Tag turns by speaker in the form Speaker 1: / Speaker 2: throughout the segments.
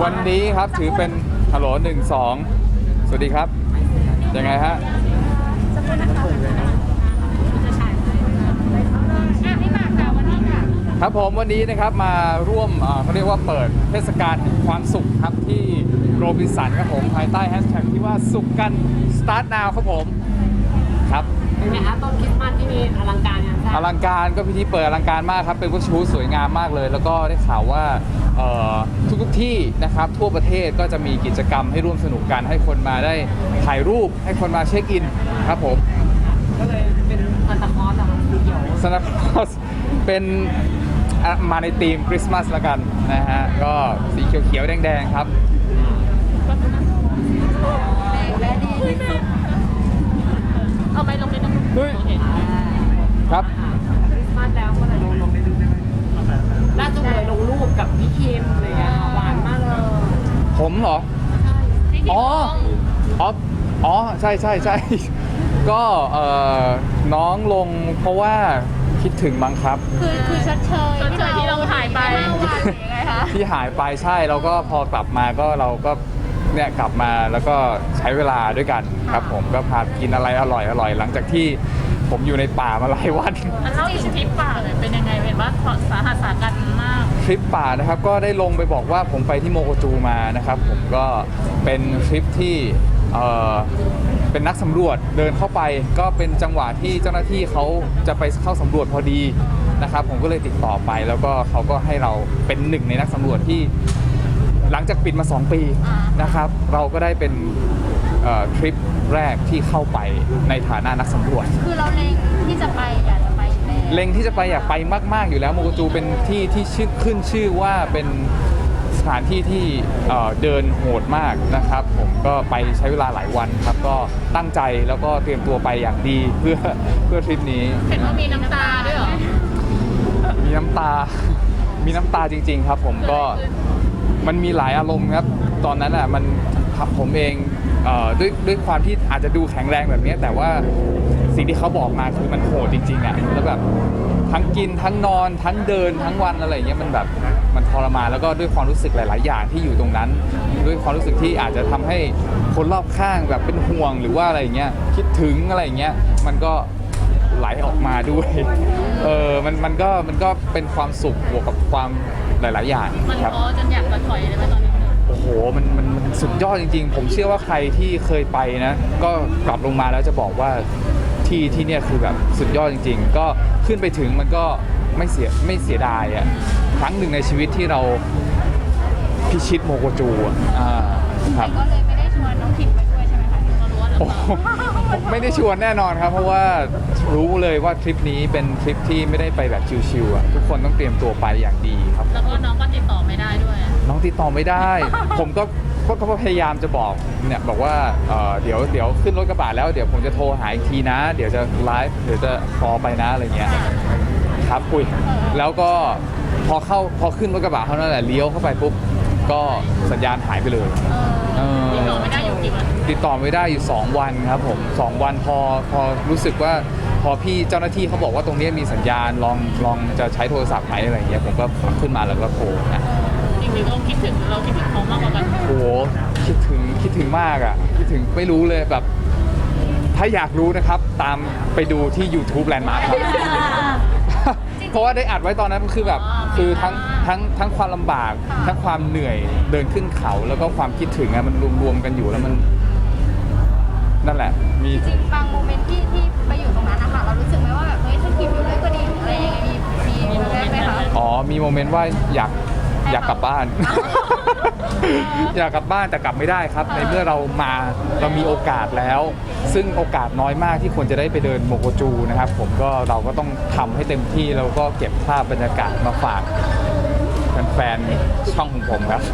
Speaker 1: วันนี้ครับถือเป็นฮัลโหล1 2สวัสดีครับยังไงฮะครับผมวันนี้นะครับมาร่วมเขาเรียกว่าเปิดเทศกาลแห่งความสุขครับที่โรบินสันครับผมภายใต้แฮชแท็กที่ว่าสุขกัน start now ครับผมครับ
Speaker 2: เป็นไงคะต้นคริสต์มาสที่มีอลังการงานสร้าง
Speaker 1: อลังการก็พิธีเปิดอลังการมากครับเป็นวัตถุสวยงามมากเลยแล้วก็ได้ข่าวว่าทุกที่นะครับทั่วประเทศก็จะมีกิจกรรมให้ร่วมสนุกกันให้คนมาได้ถ่ายรูปให้คนมาเช็คอินครับผม
Speaker 2: ก็เลยเป็นซานตาคลอสเหรอคะสีเขียว
Speaker 1: ซานตาคลอสเป็นมาในธีมคริสต์มาสละกันนะฮะก็สีเขียวๆแดงๆครับ
Speaker 3: เอาไปลงในน้ำ
Speaker 1: ด้วยครับ
Speaker 2: คริสต์มาสแล้วก็เลยลงในรูปได้ไหมล่าสุดเลยลงรูปกับพี่คิมเลยอะหวานมากเลย
Speaker 1: ผมเหรออ๋ออ๋อใช่ก็น้องลงเพราะว่าคิดถึงมั้งครับ
Speaker 3: คือชดเชยที่เราหายไปยังไงคะ
Speaker 1: ที่หายไปใช่แล้วก็พอกลับมาก็เราก็เนี่ยกลับมาแล้วก็ใช้เวลาด้วยกันครับผมก็พากินอะไรอร่อยหลังจากที่ผมอยู่ในป่ามาหลายวัน
Speaker 3: เล่าถึงทริปป่าเลยเป็นยังไงเป็นว่าสาหัสสากันมาก
Speaker 1: ทริปป่านะครับก็ได้ลงไปบอกว่าผมไปที่โมโกจูมานะครับผมก็เป็นทริปที่เป็นนักสำรวจเดินเข้าไปก็เป็นจังหวะที่เจ้าหน้าที่เขาจะไปเข้าสำรวจพอดีนะครับผมก็เลยติดต่อไปแล้วก็เขาก็ให้เราเป็นหนึ่งในนักสำรวจที่หลังจากปิดมา2 ปีนะครับเราก็ได้เป็นทริปแรกที่เข้าไปในฐานะนักสำรวจ
Speaker 3: คือเราเล็งที่จะไปอยากจะไป
Speaker 1: เล็งที่จะไปอยากไปมากๆอยู่แล้วโมโกจูเป็นที่ที่ขึ้นชื่อว่าเป็นสถานที่ที่เดินโหดมากนะครับผมก็ไปใช้เวลาหลายวันครับก็ตั้งใจแล้วก็เตรียมตัวไปอย่างดีเพื่อทริปนี้
Speaker 3: เห็นว่ามีน้ำตาด้วยเหรอ
Speaker 1: มีน้ำตาจริงๆครับผมก็มันมีหลายอารมณ์ครับตอนนั้นอ่ะมันผมเองด้วยความที่อาจจะดูแข็งแรงแบบนี้แต่ว่าสิ่งที่เขาบอกมาคือมันโหดจริงๆอ่ะแล้วแบบทั้งกินทั้งนอนทั้งเดินทั้งวันอะไรอย่างเงี้ยมันแบบมันทรมานแล้วก็ด้วยความรู้สึกหลายๆอย่างที่อยู่ตรงนั้นด้วยความรู้สึกที่อาจจะทำให้คนรอบข้างแบบเป็นห่วงหรือว่าอะไรอย่างเงี้ยคิดถึงอะไรอย่างเงี้ยมันก็ไหลออกมาด้วยมันก็เป็นความสุขบวกกับความหลายๆอย่าง
Speaker 3: มันท้อจนอยากจะถอยเลยไหมตอนนี้
Speaker 1: โอ้โหมันสุดยอดจริงๆผมเชื่อว่าใครที่เคยไปนะก็กลับลงมาแล้วจะบอกว่าที่เนี่ยคือแบบสุดยอดจริงๆก็ขึ้นไปถึงมันก็ไม่เสียดายอ่ะครั้งหนึ่งในชีวิตที่เราพิชิตโมโกจู
Speaker 3: ครับก็เลยไม่ได้ชวนน้องคิมไปด้วยใช่ไหมคะเรารู้ว่า
Speaker 1: เราไม่ได้ชวนแน่นอนครับเพราะว่ารู้เลยว่าทริปนี้เป็นทริปที่ไม่ได้ไปแบบชิวๆอ่ะทุกคนต้องเตรียมตัวไปอย่างดีครับ
Speaker 3: แล้วก็น้องก็ติดต่อไม่ได้ด้วย
Speaker 1: น้องติดต่อไม่ได้ผมก็พยายามจะบอกเนี่ยบอกว่าเดี๋ยวขึ้นรถกระบะแล้วเดี๋ยวผมจะโทรหาอีกทีนะเดี๋ยวจะไลฟ์เดี๋ยวจะคอลไปนะอะไรเงี้ยครับคุยแล้วก็พอขึ้นรถกระบะเท่านั้นแหละเลี้ยวเข้าไปปุ๊บก็สัญญาณหายไปเลย
Speaker 3: ติดต่อไม่ได้อยู่กี่วัน
Speaker 1: ติดต่อไม่ได้อยู่2 วันครับผม2 วันพอรู้สึกว่าพอพี่เจ้าหน้าที่เขาบอกว่าตรงนี้มีสัญญาณลองจะใช้โทรศัพท์ไหมอะไรเงี้ยผมก็ขึ้นมาแล้วก็โทรนะ
Speaker 3: จริงๆเราคิดถึงเขามากกว่ากัน
Speaker 1: โอ้โหคิดถึงมากอ่ะคิดถึงไม่รู้เลยแบบถ้าอยากรู้นะครับตามไปดูที่ YouTube Landmark ครับเพราะว่าได้อัดไว้ตอนนั้นคือแบบคือทั้งความลำบากทั้งความเหนื่อยเดินขึ้นเขาแล้วก็ความคิดถึงอะมันรวมกันอยู่แล้วมันนั่นแหละมี
Speaker 3: จริงบางโมเมนต์ที่ไปอยู่ตรงนั้นนะคะเรารู้สึกไหมว่าแบบเฮ้ยถ้ากินอยู่ด้วยก็ดีอะไรอย่างเงี้ยมีโมเมนต์ไหมคะ
Speaker 1: อ๋อมีโมเมนต์ว่าอยากกลับบ้าน อยากกลับบ้านแต่กลับไม่ได้ครับในเมื่อเรามีโอกาสแล้วซึ่งโอกาสน้อยมากที่คนจะได้ไปเดินโมโกจูนะครับผมก็เราก็ต้องทำให้เต็มที่แล้วก็เก็บภาพบรรยากาศมาฝากแฟนๆช่องของผมครับ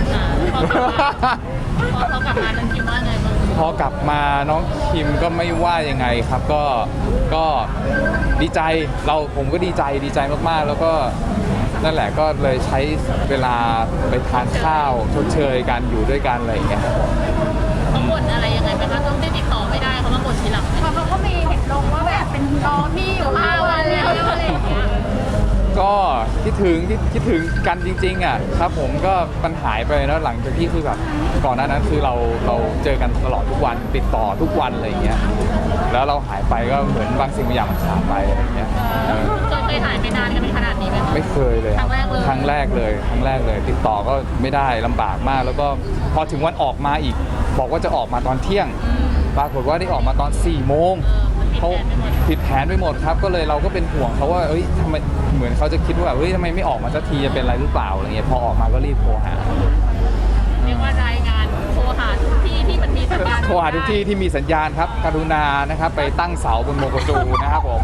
Speaker 3: พอกลับมาน้องคิมว่าไงบ้าง
Speaker 1: พอกลับมาน้องคิมก็ไม่ว่ายังไงครับก็ดีใจผมก็ดีใจมากๆแล้วก็นั่นแหละก็เลยใช้เวลาไปทานข้าวชดเชยกันอยู่ด้วยกันอะไรอย่างเงี้ยครับ
Speaker 3: เขาบ่นอะไรยังไงไหมคะต้องได้ติดต่อไม่ได้เขามาบ่นทีหลังเขาก็มีเห็นลงว่าแบบเป็นรอพี่อยู่5 วันแล้วอะไรอย่างเงี้ย
Speaker 1: ก็คิดถึงกันจริงๆอ่ะครับผมก็มันหายไปแล้วหลังจากที่คือแบบก่อนหน้านั้นคือเราเจอกันตลอดทุกวันติดต่อทุกวันอะไรอย่างเงี้ยแล้วเราหายไปก็เหมือนบางสิ่งบางอย่างมันขาดไปอะไรอย่างเงี้ย
Speaker 3: เคยหายไปนานกันเป็นขนาดนี้ไหมคะ
Speaker 1: ไม่เคยเลย
Speaker 3: ครั้งแรกเลย
Speaker 1: ครั้งแรกเลย ติดต่อก็ไม่ได้ลำบากมาก แล้วก็พอถึงวันออกมาอีก บอกว่าจะออกมาตอนเที่ยง ปรากฏว่าได้ออกมาตอน4 โมงเขาผิดแผนไปหมดครับ ก็เลยเราก็เป็นห่วงเขาว่าเอ้ยทำไมเหมือนเขาจะคิดว่าเฮ้ยทำไมไม่ออกมาสักทีจะเป็นอะไรหรือเปล่าอะไรเงี้ยพอออกมาก็รีบโทรหา
Speaker 3: เรียกว่ารายงานโทรหาทุกที่ที่มันมีสัญญาณ
Speaker 1: โทรหาทุกที่ที่มีสัญญาณครับกรุณานะครับไปตั้งเสาบนโมโกจูนะครับผม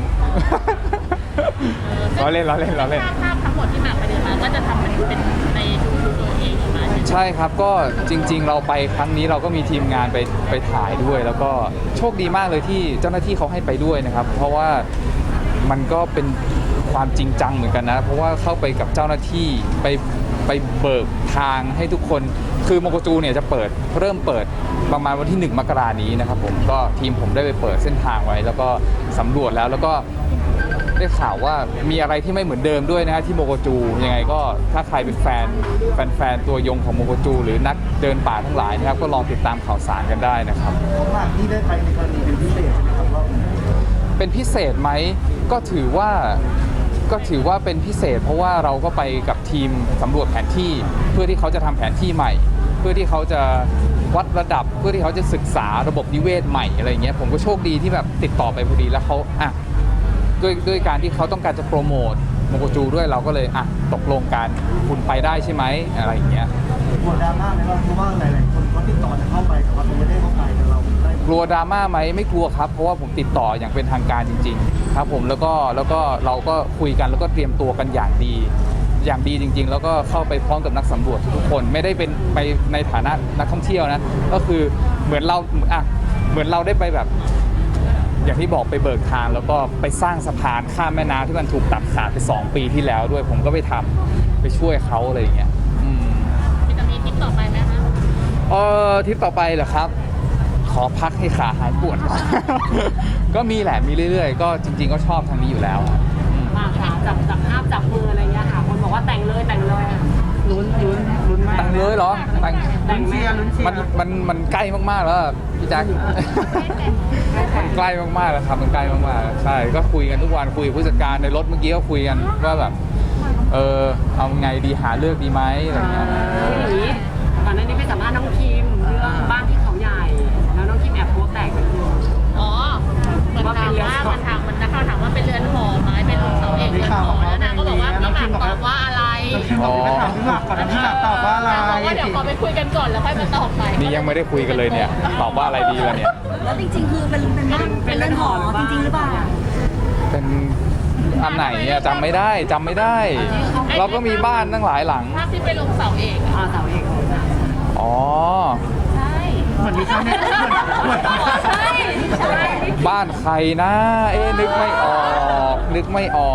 Speaker 1: เราเล่น
Speaker 3: ภาพทั้งหมดที่หมากไปเดินมาก็จะทำเป็นในดูตัวเองมา
Speaker 1: ใช่ครับก็จริงๆเราไปครั้งนี้เราก็มีทีมงานไปถ่ายด้วย แล้วก็โชคดีมากเลยที่เจ้าหน้าที่เขาให้ไปด้วยนะครับ เพราะว่ามันก็เป็นความจริงจังเหมือนกันนะ เพราะว่าเข้าไปกับเจ้าหน้าที่ไปเบิกทางให้ทุกคนคือโมโกจูเนี่ยจะเริ่มเปิดประมาณวันที่1 มกราคมนี้นะครับผมก็ทีมผมได้ไปเปิดเส้นทางไว้ แล้วก็สำรวจแล้วก็ได้ข่าวว่ามีอะไรที่ไม่เหมือนเดิมด้วยนะฮะที่โมโกจูยังไงก็ถ้าใครเป็นแฟนตัวยงของโมโกจูหรือนักเดินป่าทั้งหลายนะครับก็ลองติดตามข่าวสารกันได้นะครับ
Speaker 4: ของหมากที่ได้ไปในกรณีเป็นพิเศษใช่ไหมครับว่า
Speaker 1: เป็นพิเศษไหมก็ถือว่าเป็นพิเศษ เพราะว่าเราก็ไปกับทีมสำรวจแผนที่เพื่อที่เขาจะทำแผนที่ใหม่ เพื่อที่เขาจะวัดระดับเพื่อที่เขาจะศึกษาระบบนิเวศใหม่อะไรอย่างเงี้ยผมก็โชคดีที่แบบติดต่อไปพอดีแล้วเขาด้วยการที่เขาต้องการจะโปรโมทโมโกจูด้วยเราก็เลยตกลงกันคุณไปได้ใช่ไหมอะไรอย่างเงี้ย
Speaker 4: กลัวดราม่าไหมว่าเพราะว่าหลายๆคนเขาติดต่อจะเข้าไปแต่ว่าเขาไม่ได้เข้าไปแต่เราได้
Speaker 1: กลัวดราม่าไหมไม่กลัวครับเพราะว่าผมติดต่ออย่างเป็นทางการจริงๆครับผมแล้วก็เราก็คุยกันแล้วก็เตรียมตัวกันอย่างดีจริง ๆ แล้วก็เข้าไปพร้อมกับนักสำรวจทุกคนไม่ได้เป็นไปในฐานะนักท่องเที่ยวนะก็คือเหมือนเราได้ไปแบบอย่างที่บอกไปเบิกทางแล้วก็ไปสร้างสะพานข้ามแม่น้ำที่มันถูกตัดขาดไป2 ปีที่แล้วด้วยผมก็ไปช่วยเขาอะไรอย่างเงี้ย
Speaker 3: จะมีทริปต่อไปไหมคะ
Speaker 1: ทริปต่อไปเหรอครับ ขอพักให้ขาหายปวดก่อน ก็มีแหละมีเรื่อยๆ ก็จริง ๆ ก็ชอบทางนี้อยู่แล้ว
Speaker 2: มาค่ะจับภาพจับมืออะไรเงี้ยค่ะคนบอกว่าแต่งเลยอะ
Speaker 4: ลุ้นมาก
Speaker 1: แต่งเลยเหรอแต่ง
Speaker 2: แต่งแม่
Speaker 4: ลุ้นเชียร์
Speaker 1: มันใกล้มากๆแล้วอะพี่แจ๊ค มันใกล้มากๆแล้วครับมันใกล้มากๆใช่ก็คุยกันทุกวันคุยกับผู้จัดการในรถเมื่อกี้ก็คุยกันว่าแบบเอาไงดีหาเลือกดีไหมอะไรเงี้ย
Speaker 2: อย่างนี้ก่อนหน้านี้ไปสัมภาษณ์น้องคิมเรื่องบ้านที่เขาใหญ่ แล้วน้องคิมแอบโพสต์แตกไปเลย
Speaker 3: อ๋อมันถามว่าเป็นเรือนหอไหมเป็นเสาเอกเรือนหอแล้วนางก็บอกว่าพี่หมากตอบว่าอะไร
Speaker 4: เราคิมบอกไปถามพี่หมากก่อนนะพี่หมากตอบว่าอะไร
Speaker 3: บอกว่าเดี๋ยวขอไปคุยกันก่อนแล้วค่อยมาตอบไป
Speaker 1: นี่ยังไม่ได้คุยกันเลยเนี่ยตอบว่าอะไรดีล่ะเนี่ย
Speaker 5: แล้วจริงๆ คือเป็นเรือนหอจริงๆ หรือเปล่า
Speaker 1: เป็นอันไหนเนี่ยจำไม่ได้เราก็มีบ้านตั้งหลายหลัง
Speaker 3: ภาพที่ไปลงเสาเอก
Speaker 2: เสาเอก
Speaker 1: อ๋อ
Speaker 3: ใช่
Speaker 4: เหมือนมีชาวเน็ตเหมือน
Speaker 3: ใช่ใช่
Speaker 1: บ้านใครนะนึกไม่ออก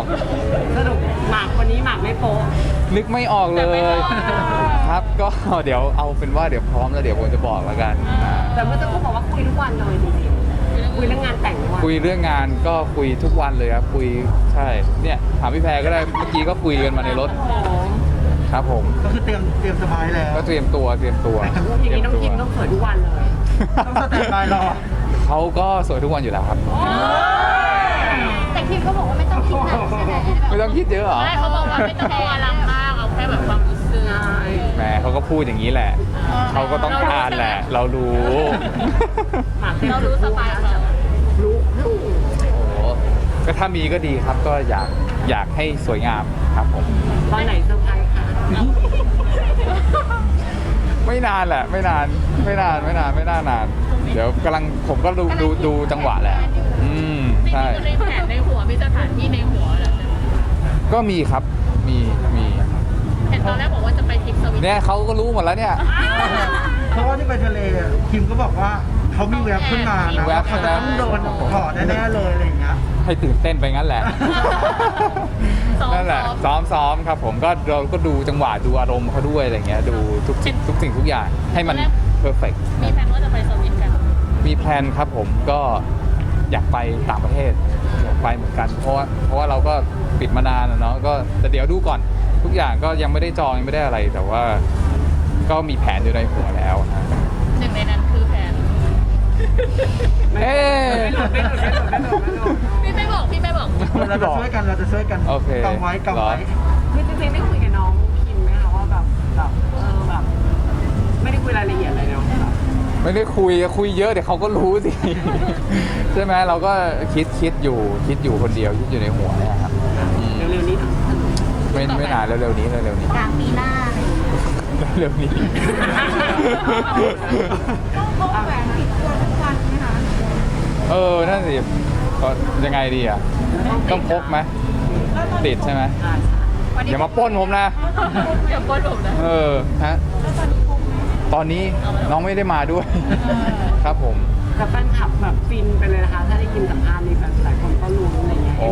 Speaker 2: สรุปหมากคนนี้หมากไม่โป๊ะ
Speaker 1: นึกไม่ออกเลยครับก็เดี๋ยวเอาเป็นว่าเดี๋ยวพร้อมแล้วเดี๋ยวผมจะบอกแล้วกัน
Speaker 2: แต่เมื่อสักครู่บอกว่าคุยทุกวันเลยจริงๆคุยเรื่องงานแต่งทุกวัน
Speaker 1: คุยเรื่องงานก็คุยทุกวันเลยครับคุยใช่เนี่ยถามพี่แพรก็ได้เมื่อกี้ก็คุยกันมาในรถครับผม
Speaker 4: ก็คือเตรียมสบายแล้ว
Speaker 1: ก็เตรียมตัว
Speaker 2: อย่างนี้น้องคิมต้องสวยทุกวันเลย
Speaker 4: ต้องสแตนบายรอ
Speaker 1: เขาก็สวยทุกวันอยู่แล้วครับ
Speaker 3: แต่คิมก็บอกว่าไม่ต้องคิดหนักใช่ไหม
Speaker 1: ไม่ต้องคิดเยอะเหรอ
Speaker 3: ไม่เขาบอกว่าไม่ต้องกลัวลังมากเอาแค่แบบความรู้สึก
Speaker 1: แหมเขาก็พูดอย่างนี้แหละเขาก็ต้องการแหละ เรารู้
Speaker 2: หมาก
Speaker 3: เรารู้สบายเรา
Speaker 2: รู้
Speaker 1: โอ้โหก็ถ้ามีก็ดีครับก็อยากให้สวยงามครับผม
Speaker 2: ตอนไหนเซอร์ไพรส์ค่ะ
Speaker 1: ไม่นานแหละไม่นานนานเดี๋ยวผมก็ดูจังหวะแหละใช่
Speaker 3: ในแผนในหัวมีสถานที่ในหัวเหรอ
Speaker 1: ก็มีครับมี
Speaker 3: เห็นตอนแรกบอกว่าจะไปทริปสวิต
Speaker 1: เนี่ยเขาก็รู้หมดแล้วเนี่ย
Speaker 4: เพราะว่าที่ไปทะเลคิมก็บอกว่าเขามีแวบขึ้นมานะ
Speaker 1: แวบ
Speaker 4: เขาจะต้องโดนถอดแน่ๆเลยอะไรอย่างเงี้ย
Speaker 1: ให้ตื่นเต้นไปงั้นแหละ นั่นแหละซ้อมครับผมก็เราก็ดูจังหวะดูอารมณ์เขาด้วยอะไรเงี้ยดูทุกสิ่งทุกอย่างให้มันเพอร์เฟกต์
Speaker 3: มีแผนว่าจะไปสวิตกัน
Speaker 1: มีแพลนครับผมก็อยากไปต่างประเทศอยากไปเหมือนกันเพราะว่าเราก็ปิดมานานอะเนาะก็แต่เดี๋ยวดูก่อนทุกอย่างก็ยังไม่ได้จองยังไม่ได้อะไร แต่ว่าก็มีแผนอยู่ในหัวแล้วฮะ
Speaker 3: หนึ่งในนั้นคือแผน
Speaker 1: เอ๊ะ
Speaker 3: พี่ไม่บอก
Speaker 4: เราจะช่วยกัน
Speaker 1: โอเค
Speaker 4: กำไว้
Speaker 2: คือจริงๆได้คุยกับน้องคิมไหมคะว่าแบบแบบไม่ได้คุยรายละเอียดอะไรเนาะ
Speaker 1: ไม่ได้คุยเยอะเดี๋ยวเขาก็รู้สิ ใช่ไหมเราก็คิดอยู่คนเดียวคิดอยู่ในหัวเนี่ยครับอืม
Speaker 2: เร็วๆนี้
Speaker 1: ไม่นานเร็วๆนี้
Speaker 5: กลางปีหน้าอะไรอย่างเงี้ย
Speaker 1: เร็วๆนี้
Speaker 5: ต้องพกแหวนติดตัวทุกวันไหมคะ
Speaker 1: นั่นสิก็ยังไงดีอ่ะต้องพกไหมติดใช่ไหมอย่ามาปล้นผมนะ
Speaker 3: อย่าปล้นผมนะ
Speaker 1: ฮะตอนนี้น้องไม่ได้มาด้วย ครับผม
Speaker 2: กับแฟนคลับแบบฟินไปเลยนะคะถ้าได้ยินสัมภาษณ์นี้แบบหลายคนก็รู้อะไรเงี้ย
Speaker 1: อ๋อ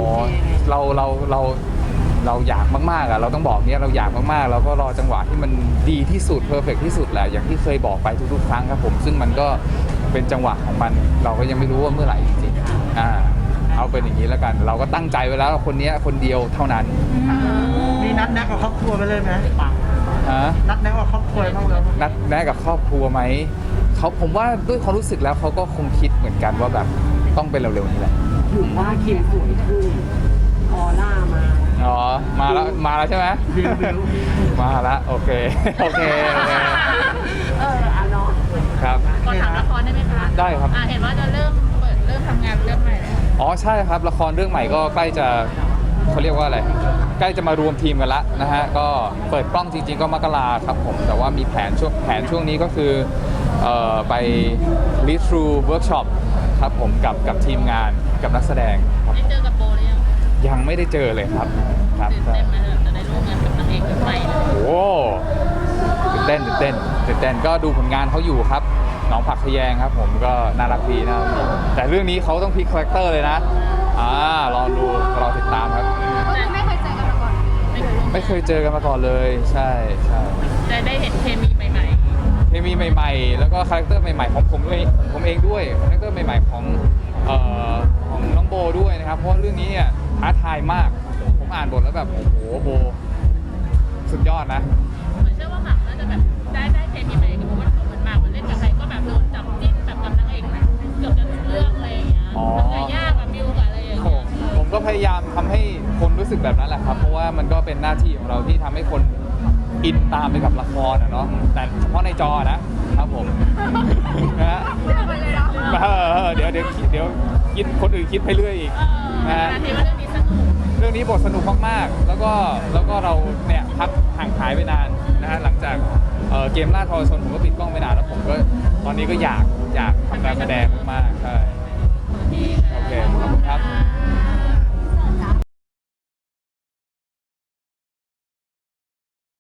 Speaker 1: เราอยากมากๆอ่ะเราต้องบอกเนี้ยเราอยากมากๆเราก็รอจังหวะที่มันดีที่สุดเพอร์เฟกที่สุดแหละอย่างที่เคยบอกไปทุกๆครั้งครับผมซึ่งมันก็เป็นจังหวะของมันเราก็ยังไม่รู้ว่าเมื่อไหร่จริงๆเอาเป็นอย่างนี้แล้วกัน เราก็ตั้งใจไว้แล้วคนเนี้ยคนเดียวเท่านั้น
Speaker 4: มีนัดแนะกับครอบครัวไปเลยไหม
Speaker 1: ฮะ
Speaker 4: นัดแนะกับครอบครัวบ้างเลย
Speaker 1: นัดแนะกับครอบครัวไหมผมว่าด้วยความรู้สึกแล้วเขาก็คงคิดเหมือนกันว่าแบบต้องเป็นเร็วๆนี้แหละ
Speaker 2: ถือว่าคิมสวยขึ้นออร่ามา
Speaker 1: อ๋อมาแล้วใช่ไหม
Speaker 4: บิว
Speaker 1: มาแล้วโอเค โอเค
Speaker 2: อ่ะเนาะ
Speaker 1: ครับ
Speaker 3: ขอถามละครได้ไหมคะ
Speaker 1: ได้ครับ
Speaker 3: เห็นว่าจะเริ่มทำงานเรื่องใหม่แล้ว
Speaker 1: อ๋อใช่ครับละครเรื่องใหม่ก็ใกล้จะเขาเรียกว่าอะไรใกล้จะมารวมทีมกันละนะฮะก็เปิดกล้องจริงๆก็มกราครับผมแต่ว่ามีแผนช่วงนี้ก็คือไป lead through workshop ครับผมกับทีมงานกับนักแสดงครับ
Speaker 3: ได้เจอกับโบหรือยัง
Speaker 1: ยังไม่ได้เจอเลยครับครับ
Speaker 3: ตื่นเต้นไหมจะได้ร่วมงานกับนางเอกคนใหม่เลย
Speaker 1: โอ้ตื่นเต้นก็ดูผลงานเขาอยู่ครับน้องผักขยงครับผมก็น่ารักดีแต่เรื่องนี้เขาต้องพลิกคาแรคเตอร์เลยนะรอติดตามครับ
Speaker 3: ไม่เคยเจอกันมาก่อนไม่เคยร่วม
Speaker 1: ไม่เคยเจอกันมาก่อนเลยใช่
Speaker 3: จะได้เห็นเคมีใหม่
Speaker 1: เคมีใหม่ๆ แล้วก็คาแรคเตอร์ใหม่ๆของผมเองด้วยคาแรคเตอร์ใหม่ๆของน้องโบด้วยนะครับเพราะว่าเรื่องนี้เนี่ยท้าทายมากผมอ่านบทแล้วแบบโอ้โหโบสุดยอดนะ
Speaker 3: ๆเหมือนเชื่อว่าหมากน่าจะแบบได้เคมีใหม่กับเพราะว่าเหมือนหมากมันเล่นกับใครก็แบบโดนจับจิ้นแบบกับนางเอกเกือบจะทุกเรื่องอะไรอย่างเงี้ยทำงานยากกับบิวกับอะไรอย่างเงี้ย
Speaker 1: ผมก็พยายามทำให้คนรู้สึกแบบนั้นแหละครับ เพราะว่ามันก็เป็นหน้าที่ของเราที่ทำให้คนอินตามไปกับละครอะเนาะแต่เฉพาะในจอนะครับผมนะฮะเดี๋ยวคิดคนอื่นคิดไปเรื่อยอีกนะฮะ
Speaker 3: นาทีว่าเรื่องนี้สนุก
Speaker 1: เรื่องนี้บทสนุกมากๆ แล้วก็เราเนี่ยพักห่างหายไปนานนะฮะหลังจากเกมล่าทรชนผมก็ปิดกล้องไปนานแล้วผมก็ตอนนี้ก็อยากทำการแสดงมากๆใช่